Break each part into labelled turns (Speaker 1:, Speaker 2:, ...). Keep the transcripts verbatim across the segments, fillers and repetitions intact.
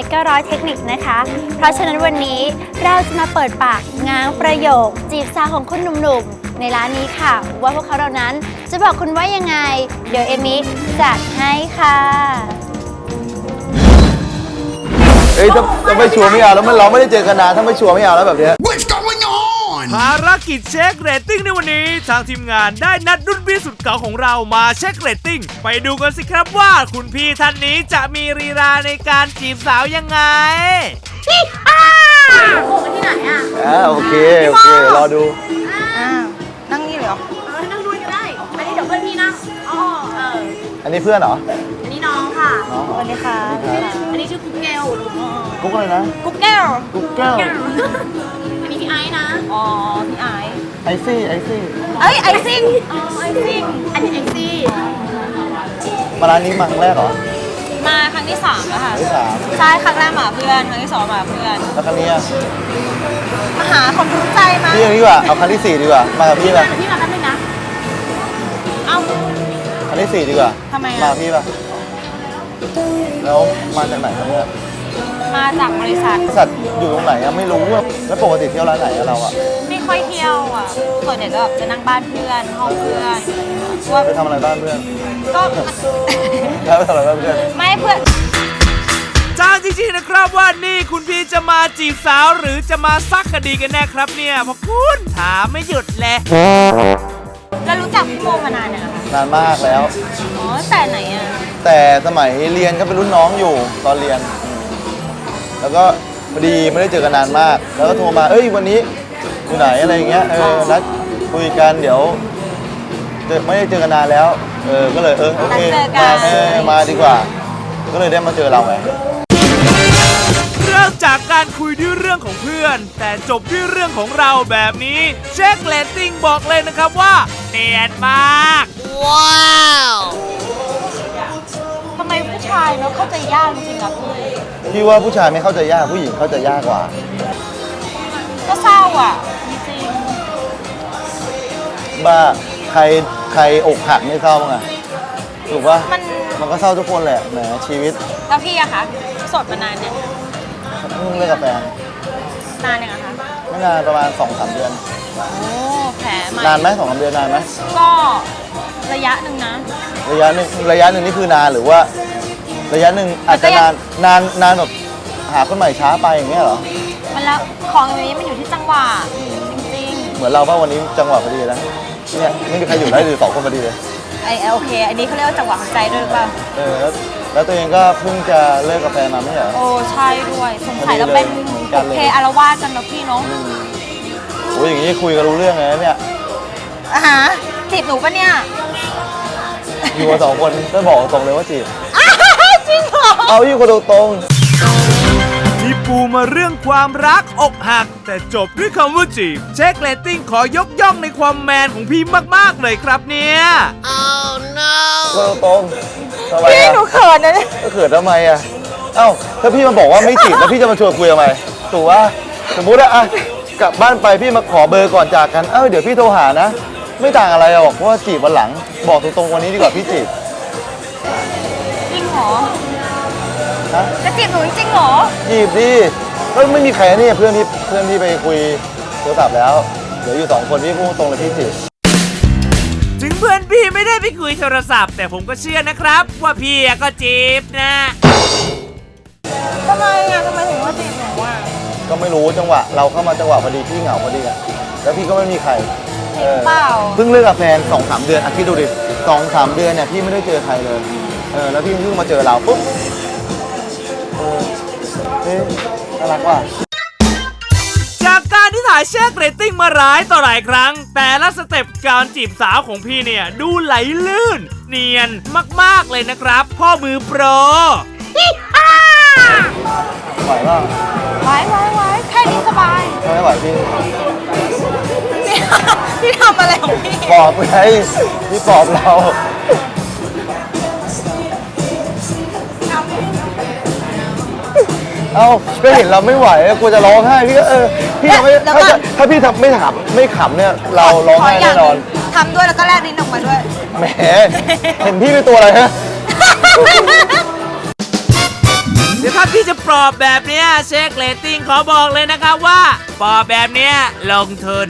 Speaker 1: เก้าร้อยเทคนิคนะคะเพราะฉะนั้นวันนี้เราจะมาเปิดปากง้างประโยคจีบสาวของคนหนุ่มๆในร้านนี้ค่ะว่าพวกเขาเหล่านั้นจะบอกคุณว่ายังไงเดี๋ยวเอมิจัดให้ค่ะ
Speaker 2: เอ้ยถ้าถ้าไม่ชัวร์ไม่เอาแล้วมันเราไม่ได้เจอกันนานถ้าไม่ชัวร์ไม่เอาแล้วแบบเนี้ย
Speaker 3: ภารกิจเช็คเรตติ้งในวันนี้ทางทีมงานได้นัดรุ่นพี่สุดเก่าของเรามาเช็คเรตติ้งไปดูกันสิครับว่าคุณพี่ท่านนี้จะมีลีลาในการจีบสาวยังไงพี่อ้าโอ้ที่ไหนอ่ะ
Speaker 2: อ่าโอเคโอเครอดู
Speaker 1: อ่านั่งนี่เลยเหรอ
Speaker 4: เออนั่งด้วยก็ได้อันนี้เดี๋ยวเพื่อนพี่นั่งอ๋อเออ
Speaker 2: อันนี้เพื่อนเหรอ
Speaker 4: อันนี้น้องค่ะ
Speaker 2: น้อง
Speaker 1: สวัสดีค่ะ
Speaker 4: อันนี้ชื่อกุ๊กแก้ว
Speaker 2: กุ๊กอะไรนะ
Speaker 1: กุ๊กแก้ว
Speaker 2: กุ๊กแก้ว
Speaker 4: อันนี้พี่ไอซ์นะ
Speaker 1: อ๋อพี่ไอซ์
Speaker 2: ไอซี่ไอซี่
Speaker 1: เอ้ยไอซิ่ง
Speaker 4: อ๋อไอซี่อันนี้ไอซี่
Speaker 2: มาร้านนี้มาครั้งแรกเหรอ
Speaker 1: มาครั้งที่สามแล้วค่ะ
Speaker 2: ที่สาม
Speaker 1: ใช่ครั้งแรกมาเพื่อนครั้งที่สองมาเพื่อน
Speaker 2: แล้วครั้งนี้
Speaker 1: มาหาคนรู้ใจมา
Speaker 2: พี่ดีกว่าเอาครั้งที่สี่ดีกว่ามากับพี่ป่ะ
Speaker 4: พี่มาแป๊บนึงนะ
Speaker 1: เอ้า
Speaker 2: ครั้งที่สี่ดีกว่า
Speaker 1: ทำไม
Speaker 2: มาพี่ป่ะแล้วมาจากไหนครับเนี่ย
Speaker 1: มาจากบริษัท
Speaker 2: บริษัทอยู่ตรงไหนอะไม่รู้แล้วปกติเที่ยวร้านไหนเราอะ
Speaker 1: ไม่ค่อยเที่ยวอ่ะส่วนใหญ่ก็จะนั่งบ้านเพื่อนห้องเพื่อนว่า
Speaker 2: ไปทำอะไรบ้านเพื่อน
Speaker 1: ก็
Speaker 2: แล้วไปทำอะไรบ้านเพื่อน
Speaker 1: ไม่เพื่อน
Speaker 3: จ้างจริงๆนะครับว่านี่คุณพี่จะมาจีบสาวหรือจะมาซักคดีกันแน่ครับเนี่ยเพราะคุณถามไม่หยุดเลย
Speaker 1: แล้วรู้จักพี่โมมานานเนี่ยนะคะ
Speaker 2: นานมากแล้ว
Speaker 1: อ๋อแต่ไหนอ่ะ
Speaker 2: แต่สมัยเรียนก็เป็นรุ่นน้องอยู่ตอนเรียนแล้วก็พอดีไม่ได้เจอกันนานมากแล้วก็โทรมาเอ้ยวันนี้อยู่ไหนอะไรอย่างเงี้ยเออนัดคุยกันเดี๋ยวไม่ได้เจอกันนานแล้วเออก็เลยเออโอเคมาเออมาดีกว่าก็เลยได้มาเจอเราไง
Speaker 3: เริ่มจากการคุยด้วยเรื่องของเพื่อนแต่จบด้วยเรื่องของเราแบบนี้เช็คเรตติ้งบอกเลยนะครับว่าเนียนมากว้าว
Speaker 1: ทำไมผู้ชายเนาะเข้าใจยากจริงๆอะพี่
Speaker 2: พี่ว่าผู้ชายไม่เข้าใจยากผู้หญิงเข้าใจยากกว่า
Speaker 1: ก็เศร้าอ่ะจริง
Speaker 2: บ้าใครใครอกหักไม่เศร้าไงถูกป่ะมันมันก็เศร้าทุกคนแหละแหมชีวิต
Speaker 1: แล้วพี่อะคะโสดมานานเนี่ย
Speaker 2: เพิ่งเลิกกับแฟน
Speaker 1: นานยังอะคะ
Speaker 2: ไม่นานประมาณสองสามเดือน
Speaker 1: โอ้แผลใหม่
Speaker 2: นานไหมสองสามเดือนนานไหม
Speaker 1: ก็ระยะหนึ่งนะ
Speaker 2: ระยะหนึ่งระยะหนึ่งนี่คือนานหรือว่าระยะหนึ่งอาจจะนานนานนานแบบหาคนใหม่ช้าไปอย่างเงี้ยเหรอ
Speaker 1: มันแล้วของอย่างนี้มันอยู่ที่จังหวะจริง
Speaker 2: ๆเหมือนเราป่ะวันนี้จังหวะพอดีแล้วเนี่ยไม่มีใครอยู่ได้หรือสองคนพอดีเลย
Speaker 1: ไอโอเคอันนี้เขาเรียกว่าจังหวะของใจด้วยหรือเปล่า
Speaker 2: เออแล้วแล้วตัวเองก็เพิ่งจะเลิกกับแฟนมาไม่เหรอ
Speaker 1: โอ้ใช่ด้วยสงสัยเราเป็นโอเคอารวาสกันนะพี่เนาะ
Speaker 2: โอ้ยอย่างนี้คุยกันรู้เรื่องเลยเนี่ย
Speaker 1: อ่ะฮะจีบหนูปะเนี่ย
Speaker 2: อยู่กันสองคนก็บอกตรงเลยว่าจีบ
Speaker 1: จริงเหรอ
Speaker 2: เอาอยู่คนตรง
Speaker 3: ที่ปูมาเรื่องความรักอกหักแต่จบด้วยคำว่าจีบเช็คเรตติ้งขอยกย่องในความแมนของพี่มากๆเลยครับเนี่ย
Speaker 2: oh no คนตรง
Speaker 1: พี่หนูเขินนะเนี่ย
Speaker 2: เขินทำไมอ่ะเอ้าถ้าพี่มาบอกว่าไม่จีบแล้วพี่จะมาชวนคุยทำไมถูกว่าสมมุติอะกลับบ้านไปพี่มาขอเบอร์ก่อนจากกันเอ้าเดี๋ยวพี่โทรหานะไม่ต่างอะไรหรอกเพราะว่าจีบวันหลังบอกตรงๆวันนี้ดีกว่าพี่จีบ
Speaker 1: จริงเหรอ
Speaker 2: ฮะ
Speaker 1: จะจีบหนูจริงเหรอ
Speaker 2: จีบดิก็ไม่มีใครนี่เพื่อนที่เพื่อนที่ไปคุยโทรศัพท์แล้วเดี๋ยวอยู่สองคนพี่พูดตรงเลยพี่จีบ
Speaker 3: ถึงเพื่อนพี่ไม่ได้ไปคุยโทรศัพท์แต่ผมก็เชื่อนะครับว่าพี่ก็จีบนะ
Speaker 1: ทำไมอ่ะทำไมถึงว่าจีบหนูอ่ะ
Speaker 2: ก็ไม่รู้จังหวะเราเข้ามาจังหวะพอดีพี่เหงาพอดีอ่ะแล้วพี่ก็ไม่มีใคร
Speaker 1: เปล่า
Speaker 2: เพิ่งเลิกกับแฟนสองสามเดือนอ่ะคิดดูดิสองสามเดือนเนี่ยพี่ไม่ได้เจอใครเลยเออแล้วพี่เพิ่งมาเจอเราปุ๊บเออเฮ้ยน่ารักว่ะ
Speaker 3: จากการที่ถ่ายเช็คเรตติ้งมาหลายต่อหลายครั้งแต่ละสเต็ปการจีบสาวของพี่เนี่ยดูไหลลื่นเนียนมากๆเลยนะครับพ่อมือโปร
Speaker 2: ไหวป่ะ
Speaker 1: ไหวไหวไหวแค่นี้สบาย
Speaker 2: ไม่ไหวพี่
Speaker 1: พี่ทำอะไรของพี่
Speaker 2: ปอบไงพี่ปอบเราเอ้าก็เห็นเราไม่ไหวกลัวจะร้องไห้พี่ก็เออพี่ทำไม่ถ้าถ้าพี่ทำไม่ถามไม่ขำเนี่ยเราร้องไห้แน่นอน
Speaker 1: ทำด้วยแล้วก็แลกลิ้นออกมาด้วย
Speaker 2: แหมเห็นพี่เป็นตัวอะไรฮะ
Speaker 3: เดี๋ยวถ้าพี่จะปลอบแบบเนี้ยเช็คเรตติ้งขอบอกเลยนะครับว่าปลอบแบบเนี้ยลงทุน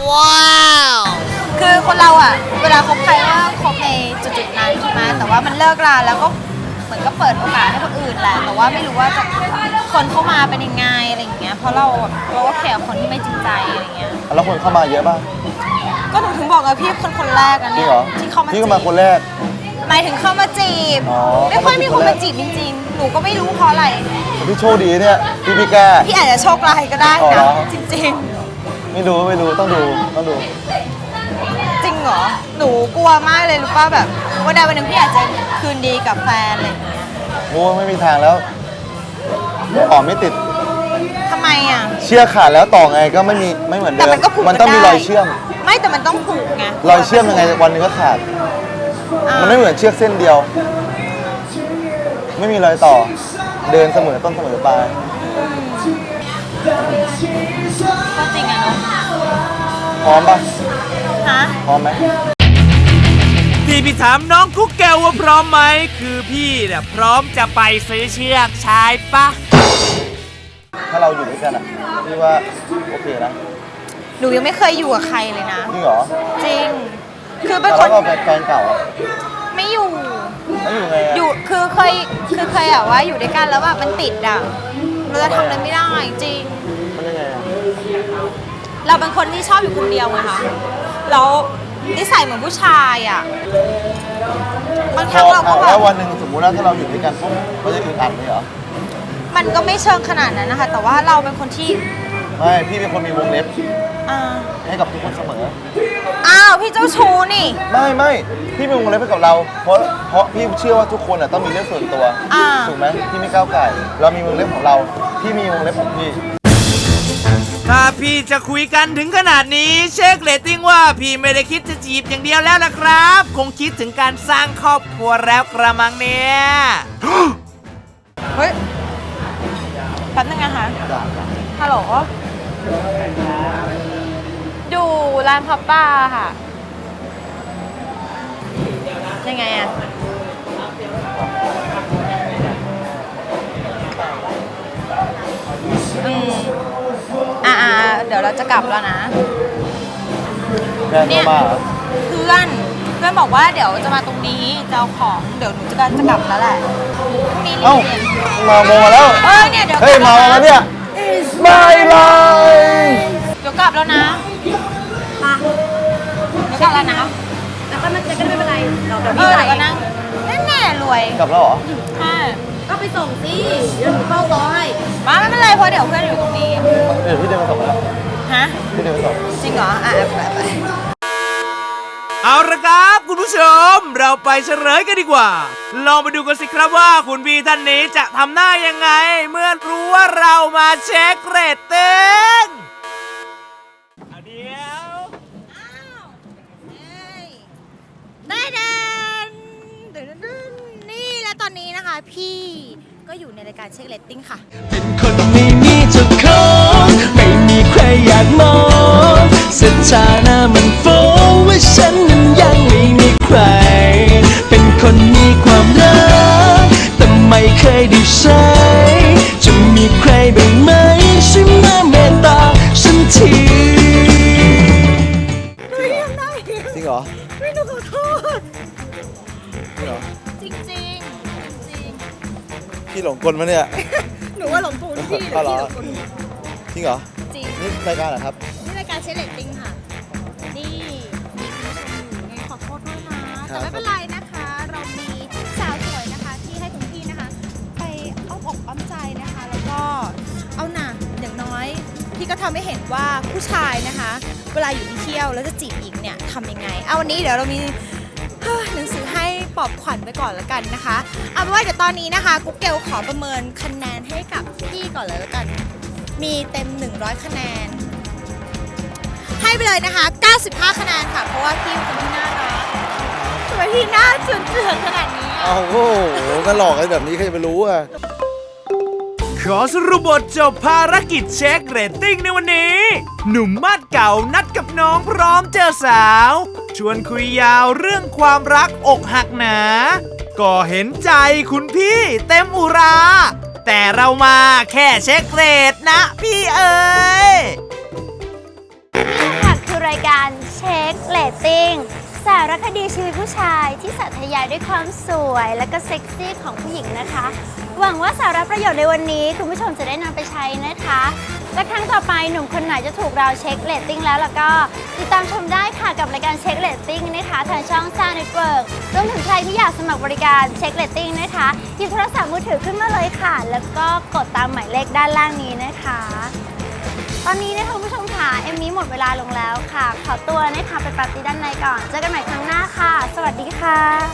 Speaker 1: คือคนเราอ่ะ เวลาคบใครก็คบในจุดๆนั้นใช่ไหมแต่ว่ามันเลิกราแล้วก็เหมือนก็เปิดโอกาสให้คนอื่นแหละ แต่ว่าไม่รู้ว่าจะคนเข้ามาเป็นยังไงอะไรอย่างเงี้ย เพราะเราแบบเราก็แคร์คนที่ไม่จริงใจอะไรอย่างเงี้ย
Speaker 2: แล้วคนเข้ามาเยอะป่ะ
Speaker 1: ก็หนูถึงบอกไงพี่คนคนแรกอัน
Speaker 2: จริ
Speaker 1: เนี้
Speaker 2: ง
Speaker 1: ย
Speaker 2: เหรอ
Speaker 1: ที่เขามา
Speaker 2: พี่
Speaker 1: จี
Speaker 2: ก็มาคน
Speaker 1: บ
Speaker 2: แรก
Speaker 1: หมายถึงเข้ามาจีบ
Speaker 2: อ๋อ
Speaker 1: ไม่ค่อยมีคนมาจีบจริงๆ หนูก็ไม่รู้เพราะอะไร
Speaker 2: พี่โชคดีเนี่ยพี่พี่แก้
Speaker 1: พี่อาจจะโชคร้ายก็ได้
Speaker 2: อ๋อเหร
Speaker 1: นะ
Speaker 2: อ
Speaker 1: จริง
Speaker 2: ไม่รู้ไม่รู้ต้องดูต้องดู
Speaker 1: ๆ จริงเหรอ หนูกลัวมากเลยรู้ป่ะแบบวันใดวันหนึ่งพี่อาจจะคืนดีกับแฟนอะไรอย่างเงี้ย
Speaker 2: โอ้ไม่มีทางแล้วต่อไม่ติด
Speaker 1: ทำไมอ่ะ
Speaker 2: เชือกขาดแล้วต่อไงก็ไม่มีไม่เหมือนเดิ
Speaker 1: แต่
Speaker 2: ม
Speaker 1: มันก็ผูก
Speaker 2: มันต้องมี
Speaker 1: กันได้
Speaker 2: รอยเชื่อม
Speaker 1: ไม่แต่มันต้องผูกไง
Speaker 2: รอยเชื่อมยังไงวันหนึงก็ขาด
Speaker 1: อ่า
Speaker 2: มันไม่เหมือนเชือกเส้นเดียว ไม่มีรอยต่อ เดินเสมอต้นเสมอปลาย
Speaker 1: ก็จริงอะเนาะ
Speaker 2: พร้อมปะ
Speaker 1: ฮะ
Speaker 2: พร้อมไหม
Speaker 3: ที่พี่ถามน้องกุ๊กแก้วว่าพร้อมไหมคือพี่เนี่ยพร้อมจะไปซื้อเชือกใช่ปะ
Speaker 2: ถ้าเราอยู่ด้วยกันอ่ะพี่ว่าโอเคนะ
Speaker 1: หนูยังไม่เคยอยู่กับใครเลยนะ
Speaker 2: จริงเหรอ
Speaker 1: จริง คือเป็น
Speaker 2: แล้ว
Speaker 1: คน
Speaker 2: ก็แฟนเก่าอะ
Speaker 1: ไม่อยู่
Speaker 2: แล้วอยู่ไงอะ
Speaker 1: อยู่ คือเคย คือเคยอะว่าอยู่ด้วยกันแล้วแบบมันติดอะเราจะทำอะไรไม่ได้จริง
Speaker 2: มันยังไงอะ
Speaker 1: เราเป็นคนที่ชอบอยู่คนเดียวไงคะแล้วนิสัยเหมือนผู้ชายอะบางครั้งเราก็
Speaker 2: อ่ะ
Speaker 1: แบ
Speaker 2: แล้ว
Speaker 1: บ
Speaker 2: วันหนึ่งสมมุติว่าถ้าเราอยู่ด้วยกันปุ๊บเราจะอึดอัดไหมเหรอ
Speaker 1: มันก็ไม่เชิงขนาดนั้นนะคะ แต่ว่าเราเป็นคนที่
Speaker 2: ไม่พี่เป็นคนมีวงเล็บ
Speaker 1: อ่า
Speaker 2: ให้กับทุกคนเสมอ
Speaker 1: อ้าวพี่เจ้าชู้นี่
Speaker 2: ไม่ไม่พี่มีวงเล็บให้กับเรา เพราะเพราะพี่เชื่อว่าทุกคนอ่ะต้องมีเรื่องส่วนตัว
Speaker 1: อ่า
Speaker 2: ถูกไหมพี่ไม่ก้าวไก่เรามีวงเล็บของเรา พี่มีวงเล็บของพี่
Speaker 3: ถ้าพี่จะคุยกันถึงขนาดนี้เช็คเรตติ้งว่าพี่ไม่ได้คิดจะจีบอย่างเดียวแล้วนะครับ คงคิดถึงการสร้างครอบครัวแล้วกระมังเนี่ย
Speaker 1: เฮ้ยแป๊บนึงนะคะ ฮัลโหลดูร้านพับป้าค่ะ ยังไงอะอืมอ่าเดี๋ยวเราจะกลับแล้วนะ
Speaker 2: แฟนเข้ามาเหรอ
Speaker 1: เพื่อนเพื่อนบอกว่าเดี๋ยวจะมาตรงนี้จะเอาของเดี๋ยวหนูจะจะกลับแล้วแหละพรุ่งนี้รี
Speaker 2: เอ้า
Speaker 1: บเรียน
Speaker 2: มาโมมาแล้ว
Speaker 1: เออเนี่ยเดี๋ยว
Speaker 2: เฮ้ย
Speaker 1: กลั
Speaker 2: มา
Speaker 1: บ
Speaker 2: แล้วเนี่ยบายบาย
Speaker 1: เดี๋ยวกลับแล้วนะ
Speaker 4: มา
Speaker 1: เดี๋ยวกลับแล้วนะ
Speaker 4: แล้วก็ไม่ก็ไม่เป็นไรเราเดี๋ยว
Speaker 1: เอ
Speaker 4: พี่
Speaker 1: อ
Speaker 4: ไป
Speaker 1: เดี๋ยวก็นั่งแน่ๆรวย
Speaker 2: กลับแล้วเหรอ
Speaker 1: ใช่
Speaker 4: ก็ไปส่งสิเดี๋ยวหนูเฝ้าซอย
Speaker 1: มาไม่เป็นไรเพราะเดี๋ยวเพื่อนอยู่ตรงนี้
Speaker 2: เดี๋ยวพี่เดินไปส่งแล้ว
Speaker 1: ฮะ
Speaker 2: พี่เดินไปส่ง
Speaker 1: จริงเหรอ อ่ะไปไป
Speaker 3: เอาละครับคุณผู้ชม เราไปเฉลยกันดีกว่า ลองไปดูกันสิครับว่าคุณพี่ท่านนี้จะทำหน้ายังไง เมื่อรู้ว่าเรามาเช็คเรตติ้งเอาเดี๋ยว
Speaker 1: ได้แดนนี่และตอนนี้นะคะ พี่ก็อยู่ในรายการเช็คเรตติ้งค่ะ
Speaker 5: เป็นคนไม่มีเจ้าของไม่มีใครอยากมองสถานะมันฟ้องว่าฉันนั้นยังไม่มีใคร เป็นคนมีความรักแต่ไม่เคยได้ใช้จะมีใครบ้างไหมช่วยมาเมตตาฉันที
Speaker 2: จริงเหรอ
Speaker 1: ไม่หนูขอโทษ
Speaker 2: จริงเหรอ
Speaker 1: จริงจริงจริง
Speaker 2: พี่หลงกลมาเนี่ย
Speaker 1: หนูว่าหลงปูนพี่หรือ
Speaker 2: เอาเหรอ
Speaker 1: พี่หลงปูน
Speaker 2: จริงเหรอ
Speaker 1: จริง
Speaker 2: นี่รายการเหรอครับ
Speaker 1: นี่รายการเช็คเรตติ้งค่ะ นี่มีคุณผู้ชมอยู่ไงขอโทษด้วยนะ
Speaker 2: ครั
Speaker 1: แต่
Speaker 2: บ
Speaker 1: ไม่เป็นไรนะคะ เรามีสาวสวยนะคะ ที่ให้คุณพี่นะคะ ไปอ้อมอกอ้อมใจนะคะ แล้วก็เอาหนักอย่างน้อย พี่ก็ทำให้เห็นว่าผู้ชายนะคะ เวลาอยู่ที่เที่ยวแล้วจะจีบหญิงเนี่ยทำยังไง เอาวันนี้เดี๋ยวเรามีเฮ้ยหนังสือให้ปลอบขวัญไปก่อนแล้วกันนะคะ เอาเป็นว่าเดี๋ยวตอนนี้นะคะกุ๊กเกลขอประเมินคะแนนให้กับพี่ก่อนเลยแล้วกัน มีเต็มหนึ่งร้อยคะแนน ให้ไปเลยนะคะ เก้าสิบห้า คะแนนค่ะ เพราะว่าพี่เป็นคนที่น่ารักทำไมพี่หน้าเจือนๆขนาดนี้อะ
Speaker 2: เอาโอ้โหก็หลอกกันแบบนี้ใครจะไปรู้อ่ะ
Speaker 3: ขอสรุปบทจบภารกิจเช็คเรตติ้งในวันนี้ หนุ่มมาดเก่านัดกับน้องพร้อมเจอสาว ชวนคุยยาวเรื่องความรักอกหักหนา ก็เห็นใจคุณพี่เต็มอุราแต่เรามาแค่เช็คเรทนะพี่เอ๋ย
Speaker 1: นี่ค่ะคือรายการเช็คเรตติ้งสารคดีชีวิตผู้ชายที่สาธยายด้วยความสวยและก็เซ็กซี่ของผู้หญิงนะคะ หวังว่าสาระประโยชน์ในวันนี้คุณผู้ชมจะได้นำไปใช้นะคะและครั้งต่อไปหนุ่มคนไหนจะถูกเราเช็คเรตติ้งแล้วแล้วก็ติดตามชมได้ค่ะกับรายการเช็คเรตติ้งนะคะทางช่อง Star Network รวมถึงใครที่อยากสมัครบริการเช็คเรตติ้งนะคะหยิบโทรศัพท์มือถือขึ้นมาเลยค่ะแล้วก็กดตามหมายเลขด้านล่างนี้นะคะตอนนี้นะคะคุณผู้ชมค่ะเอมมี่หมดเวลาลงแล้วค่ะขอตัวนะคะไปปาร์ตี้ด้านในก่อนเจอกันใหม่ครั้งหน้าค่ะสวัสดีค่ะ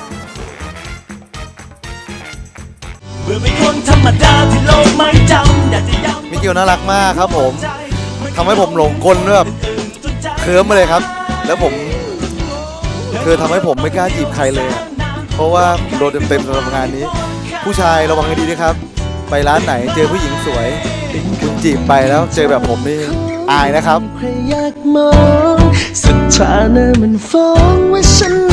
Speaker 5: เมื่อเป็นคนธรรมดาที่โลกไม่จำอยากจะย้ำ
Speaker 2: มิเกลน่ารักมากครับผมทำให้ผมหลงกลแบบเคลิ้มมาเลยครับ แล้วผมคือทำให้ผมไม่กล้าจีบใครเลยอะเพราะว่าผมโดนเต็มๆสำหรับงานนี้ ผู้ชายระวังให้ดีนะครับ ไปร้านไหนเจอผู้หญิงสวยคุณจีบไปแล้วเจอแบบผมนี่อายนะครับ
Speaker 5: ใครอยากมองสถานะมันฟ้องว่าฉัน